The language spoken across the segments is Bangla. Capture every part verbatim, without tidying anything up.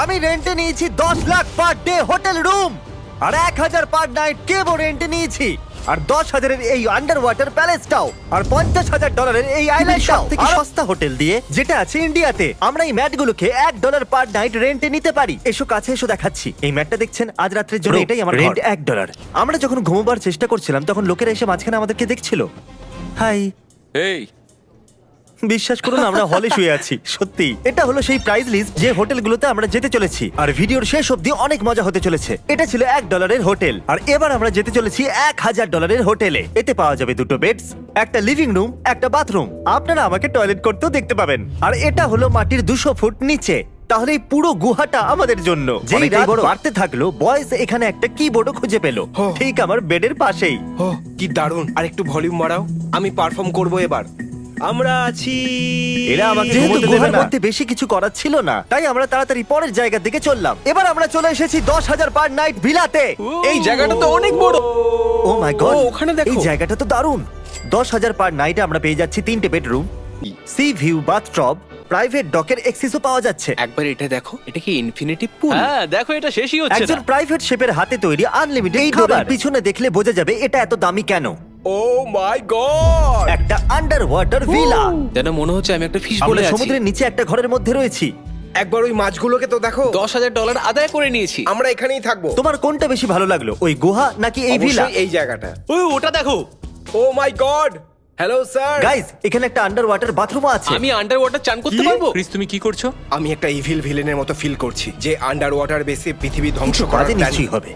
আমি রেন্টে নিয়েছি দশ lakh per day hotel room, আর এক হাজার পার নাইট কেবল রেন্টে নিয়েছি, আর দশ হাজারের এই আন্ডার ওয়াটার প্যালেসটাও, আর পঞ্চাশ হাজার ডলারের এই আইল্যান্ডটাও থেকে সস্তা হোটেল দিয়ে যেটা আছে ইন্ডিয়াতে। আমরা এই ম্যাটগুলোকে এক ডলার পার নাইট রেন্টে নিতে পারি। এসো কাছে এসো দেখাচ্ছি। এই ম্যাটটা দেখছেন, আজ রাত্রের জন্য এটাই আমার রেন্ট এক ডলার। আমরা যখন ঘুমোবার চেষ্টা করছিলাম তখন লোকেরা এসে মাঝখানে আমাদেরকে দেখছিল। হাই, এই বিশ্বাস করুন আমরা হলে শুয়ে আছি। সত্যি এটা হলো সেই প্রাইস লিস্ট যে হোটেলগুলোতে আমরা যেতে চলেছি, আর ভিডিওর শেষ অবধি অনেক মজা হতে চলেছে। এটা ছিল এক ডলারের হোটেল, আর এবার আমরা যেতে চলেছি এক হাজার ডলারের হোটেলে। এতে পাওয়া যাবে দুটো বেডস, একটা লিভিং রুম, একটা বাথরুম। আপনারা আমাকে টয়লেট করতেও দেখতে পাবেন। আর এটা হলো মাটির দুশো ফুট নিচে। তাহলে এই পুরো গুহাটা আমাদের জন্য। যেই রাত বাড়তে থাকলো, বয়েস এখানে একটা কিবোর্ডও খুঁজে পেলো, ঠিক আমার বেডের পাশেই। ও কি দারুণ! আর একটু ভলিউম বাড়াও, আমি পারফর্ম করব এবার। আমরা আছি। এরা আমাকে যেহেতু গুহার মধ্যে বেশি কিছু করার ছিল না, তাই আমরা তাড়াতাড়ি পরের জায়গার দিকে চললাম। এবার আমরা চলে এসেছি দশ হাজার পার নাইট ভিলাতে। এই জায়গাটা তো অনেক বড়। ও মাই গড, ও, ওখানে দেখো। এই জায়গাটা তো দারুণ। দশ হাজার পার নাইটে আমরা পেয়ে যাচ্ছি তিনটে bedroom, sea view, bathtub, private ডকের অ্যাক্সেসও পাওয়া যাচ্ছে। একবার এটা দেখো, এটা কি ইনফিনিটি পুল? হ্যাঁ দেখো, এটা শেষই হচ্ছে একজন না। প্রাইভেট শেফের হাতে তৈরি আনলিমিটেড খাবার। পিছনে দেখলে বোঝা যাবে এটা এত দামি কেন। Oh my god! একটা আন্ডার ওয়াটার ভিলা। যেন মনে হচ্ছে আমি একটা ফিশ বলে আমরা আছি। সমুদ্রের নিচে একটা ঘরের মধ্যে রয়েছি। একবার ওই মাছগুলোকে তো দেখো। দশ হাজার ডলার আদায় করে নিয়েছি। আমরা এখানেই থাকবো। তোমার কোনটা বেশি ভালো লাগলো, ওই গুহা নাকি এই ভিলা? অবশ্যই এই জায়গাটা। ওই ওটা দেখো। Oh my god! Hello sir. Guys, এখানে একটা আন্ডার ওয়াটার বাথরুমও আছে। আমি আন্ডার ওয়াটার চান করতে পারবো? ক্রিস তুমি কি করছো? আমি একটা ইভিল ভিলেনের মতো ফিল করছি, যে আন্ডার ওয়াটার বেসে পৃথিবী ধ্বংস কিছু করার কাজে প্ল্যান। নিশ্চয়ই হবে।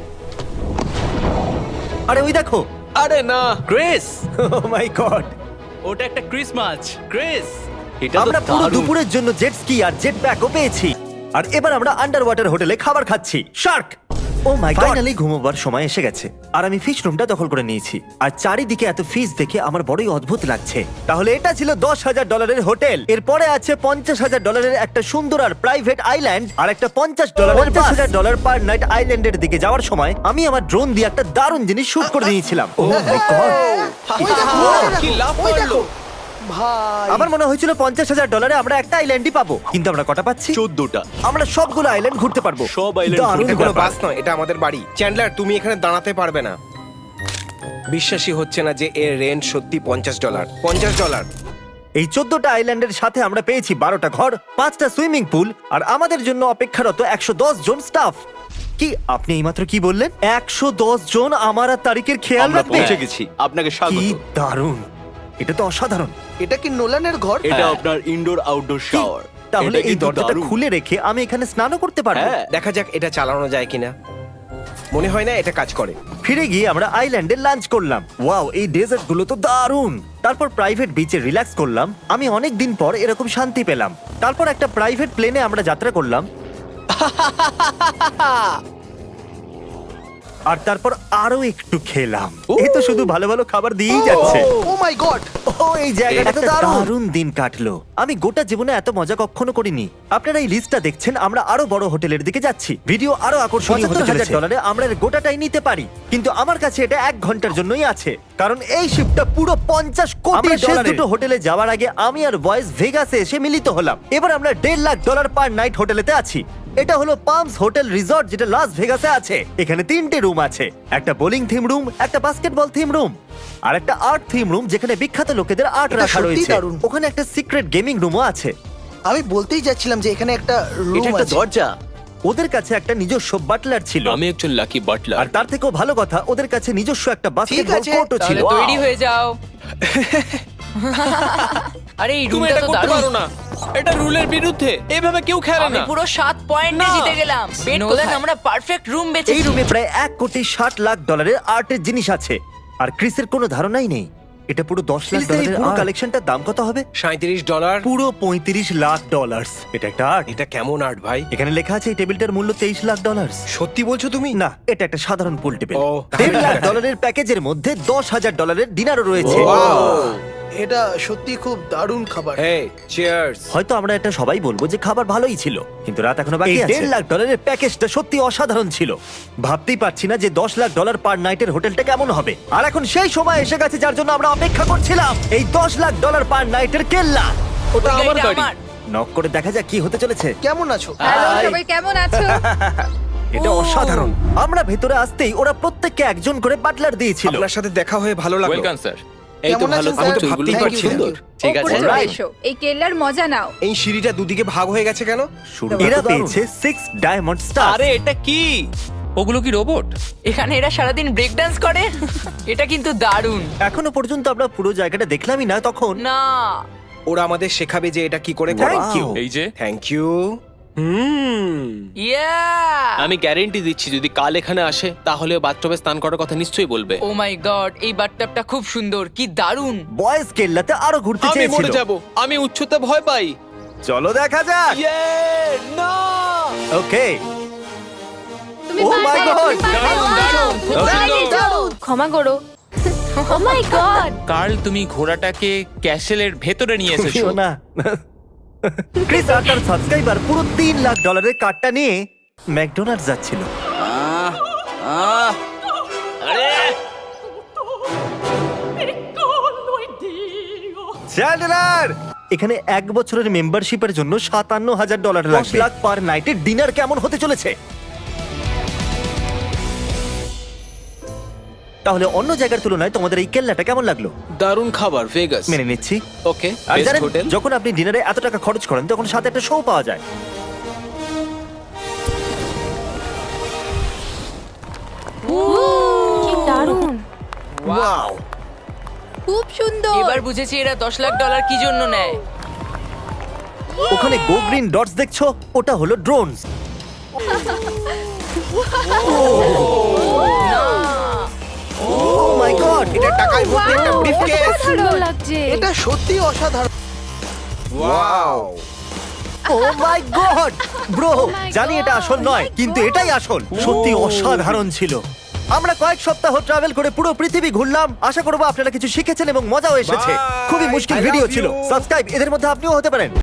আরে ওই দেখো, আরে না। ক্রিস, ও মাই গড, ওটা একটা ক্রিস মাছ। ক্রিস, এটা তো আমরা পুরো দারুণ। দুপুরের জন্য জেট স্কি আর জেট ব্যাকও পেয়েছি। আর এবার আমরা আন্ডার ওয়াটার হোটেলে খাবার খাচ্ছি। Shark! Oh my god, finally ঘুমোবার সময় এসে গেছে, আর আমি ফিশ রুমটা দখল করে নিয়েছি। আর চারিদিকে এত ফিশ দেখে আমার বড়ই অদ্ভুত লাগছে। তাহলে এটা ছিল দশ হাজার ডলারের হোটেল। এরপরে আছে পঞ্চাশ হাজার ডলারের একটা সুন্দর আর প্রাইভেট আইল্যান্ড, আর একটা পঞ্চাশ ডলারের পঞ্চাশ হাজার ডলার পার নাইট আইল্যান্ডের দিকে যাওয়ার সময় আমি আমার ড্রোন দিয়ে একটা দারুণ জিনিস শুট করে নিয়েছিলাম। ও মাই গড, কি লাভ করলো! আমার মনে হয়েছিল পঞ্চাশ হাজার ডলারে আমরা একটা আইল্যান্ডই পাবো, কিন্তু আমরা কটা পাচ্ছি? চোদ্দটা। আমরা সবগুলো আইল্যান্ড ঘুরতে পারবো। সব island দারুণ ঘুরতে এটা কোনো ব্যাপার। বাস নয়, এটা আমাদের বাড়ি। চ্যান্ডলার, তুমি এখানে দাঁড়াতে পারবে না। বিশ্বাসই হচ্ছে না যে এর রেন্ট সত্যি পঞ্চাশ ডলার। পঞ্চাশ ডলার। এই চোদ্দটা আইল্যান্ডের সাথে আমরা পেয়েছি বারোটা ঘর, পাঁচটা সুইমিং পুল, আর আমাদের জন্য অপেক্ষারত একশো দশ জন স্টাফ। কি আপনি এইমাত্র কি বললেন? একশো দশ জন আমার আর তারিখের খেয়াল আমরা রাখবে? পৌঁছে গেছি। আপনাকে কি স্বাগত। দারুণ, এটা তো অসাধারণ। এটা কি নোলানের ঘর? এটা হ্যাঁ। আপনার ইনডোর আউটডোর কি? শাওয়ার। তাহলে এই দরজাটা খুলে রেখে আমি এখানে স্নানও করতে পারবো? হ্যাঁ। দেখা যাক এটা চালানো যায় কিনা। মনে হয় না এটা কাজ করে। ফিরে গিয়ে আমরা আইল্যান্ডে লাঞ্চ করলাম। ওয়াও, এই ডেজার্ট গুলো তো দারুণ। তারপর প্রাইভেট বিচে রিল্যাক্স করলাম। আমি অনেক দিন পর এরকম শান্তি পেলাম। তারপর একটা প্রাইভেট প্লেনে আমরা যাত্রা করলাম। আর তারপর আরো একটু খেলাম। এই তো শুধু ভালো ভালো খাবার দিয়েই যাচ্ছে। ও মাই গড! ও, এই জায়গাটা তো দারুণ দিন কাটলো। আমি গোটা জীবনে এত মজা কখনো করিনি। আপনারা এই লিস্টটা দেখছেন, আমরা আরো বড় হোটেলের দিকে যাচ্ছি। ভিডিও আরো আকর্ষণীয় হতে চলেছে। ডলারে আমরা এর গোটাটাই নিতে পারি, কিন্তু আমার কাছে এটা এক ঘন্টার জন্যই আছে, কারণ এই শিপটা পুরো পঞ্চাশ কোটি ডলারের। দুটো হোটেলে যাওয়ার আগে আমি আর বয়েস ভেগাসে এসে মিলিত হলাম। এবার আমরা দেড় লাখ ডলার পার নাইট হোটেলেতে আছি। এটা হলো পামস হোটেল রিসর্ট, যেটা লাস ভেগাসে আছে। এখানে তিনটে রুম আছে, একটা বোলিং থিম রুম, একটা বাস্কেটবল থিম রুম, আর একটা আর্ট থিম রুম যেখানে বিখ্যাত লোকেদের আর্ট এটা রাখা সত্যিই রয়েছে। দারুণ। ওখানে একটা সিক্রেট গেমিং রুমও আছে। আমি বলতেই যাচ্ছিলাম যে এখানে একটা এটা রুম একটা আছে। দরজা। ওদের কাছে একটা নিজস্ব বাটলার ছিল, আমি একজন লাকি আর বাটলার। তার থেকেও ভালো কথা ওদের কাছে নিজস্ব একটা বাস্কেটবল আছে, কোর্টও ছিল। তাহলে তৈরি হয়ে যাও। আরে এই তুমি রুমটা এটা তো করতে দারুণ। পারো না। এটা রুলের বিরুদ্ধে। এভাবে কেউ খেলে আমি না। পুরো সাত পয়েন্টে না। জিতে গেলাম। নোলান, আমরা পারফেক্ট রুম এই বেচেছি। রুমে প্রায় এক কোটি ষাট লাখ ডলারের আর্টের জিনিস আছে, আর ক্রিসের কোনো ধারণাই নেই এটা পুরো দশ লাখ ডলারের। পুরো কালেকশনটার দাম কত হবে? সাঁত্রিশ ডলার। পুরো পঁয়ত্রিশ লাখ ডলার। এটা একটা আর্ট। এটা কেমন আর্ট ভাই? এখানে লেখা আছে এই টেবিলটার মূল্য তেইশ লাখ ডলার। সত্যি বলছো তুমি? না, এটা একটা সাধারণ পুল টেবিল। ও। দেড় লাখ ডলারের প্যাকেজের মধ্যে দশ হাজার ডলারের ডিনারও রয়েছে। এটা সত্যি খুব দারুণ খাবার। Hey, cheers. হয়তো আমরা এটা সবাই বলবো যে খাবার ভালোই ছিল, কিন্তু রাত এখনো বাকি আছে। দেড় লাখ ডলারের প্যাকেজটা সত্যি অসাধারণ ছিল। ভাবতেই পারছি না যে দশ লাখ ডলার পার নাইটের হোটেলটা কেমন হবে। আর এখন সেই সময় এসে গেছে যার জন্য আমরা অপেক্ষা করছিলাম, এই দশ লাখ ডলার পার নাইটের কেল্লা। ওটা ওই আমার গাড়িটা গাড়ি। আমার। নক করে দেখা যাক কি হতে চলেছে। কেমন আছো? হ্যালো সবাই কেমন আছো? এটা অসাধারণ। আমরা ভেতরে আসতেই ওরা প্রত্যেককে একজন করে বাটলার দিয়েছিল। আপনার সাথে দেখা হয়ে ভালো লাগলো। Welcome sir. এই তো ভালো, আমি তো ভাবতেই Thank you, পারছি না। thank you. ঠিক আছে। ওপরে চলে Alright. এসো, এই কেল্লার মজা নাও। এই সিঁড়িটা দুদিকে ভাগ হয়ে গেছে কেন? এরা পেয়েছে সিক্স ডায়মন্ড স্টার। আরে এটা কি? ওগুলো কি রোবট? এখানে এরা সারাদিন ব্রেক ডান্স করে এটা কিন্তু দারুণ। এখনো পর্যন্ত আমরা পুরো জায়গাটা দেখলামই না তখন। না ওরা আমাদের শেখাবে যে এটা কি করে করে। Thank you. এই যে থ্যাংক ইউ। হুম। ইয়া আমি গ্যারেন্টি দিচ্ছি যদি কাল এখানে আসে তাহলে বাথটবে স্নান করার কথা নিশ্চয়ই বলবে। ও মাই গড এই বাথটাবটা খুব সুন্দর, কি দারুণ। বয়েজ কেল্লাতে আরো ঘুরতে আমি চেয়েছিল। মরে যাব, আমি উচ্চতা ভয় পাই। চলো দেখা যাক। ইয়ে না! ওকে। তুমি Oh my পারবে, God! তুমি পারবে। দারুণ, দারুণ, খুব দারুণ, সুন্দর। দারুণ। ক্ষমা করো। ও মাই গড। কার্ল তুমি ঘোড়াটাকে ক্যাসেলের ভেতরে নিয়ে এসেছো। তুমিও না। ক্রিস আর তার সাবস্ক্রাইবার পুরো তিন লাখ ডলারের কার্ডটা নিয়ে ম্যাকডোনাল্ডস যাচ্ছিল। চ্যান্ডলার, এখানে এক বছরের মেম্বারশিপের জন্য সাতান্ন হাজার ডলার লাগবে। দশ লাখ পার নাইটের ডিনার কেমন হতে চলেছে? তাহলে অন্য জায়গার তুলনায় তোমাদের এই কেল্লাটা কেমন লাগলো? দারুণ খাবার, ভেগাস। মেনে নিচ্ছি। ওকে, আর বেস্ট জানেন, হোটেল। যখন আপনি ডিনারে এত টাকা খরচ করেন তখন সাথে একটা শো পাওয়া যায়। কি দারুণ। ওয়াও! খুব সুন্দর। এবার বুঝেছি এরা দশ লাখ ডলার কি জন্য নেয়। ওখানে গো গ্রিন ডটস দেখছো? ওটা হলো ড্রোনস। O my god! এটা টাকায় ভর্তি একটা ব্রিফকেস। সুন্দর লাগছে। এটা সত্যি অসাধারণ। Wow. Oh my god! Bro, my জানি এটা God! আসল নয়, Oh my কিন্তু God! এটাই আসল। সত্যি অসাধারণ ছিল। আমরা কয়েক সপ্তাহ ট্রাভেল করে পুরো পৃথিবী ঘুরলাম। আশা করবো আপনারা কিছু শিখেছেন এবং মজাও এসেছে। Bye! খুবই মুশকিল I love ভিডিও ছিল। you! সাবস্ক্রাইব, এদের মধ্যে আপনিও হতে পারেন।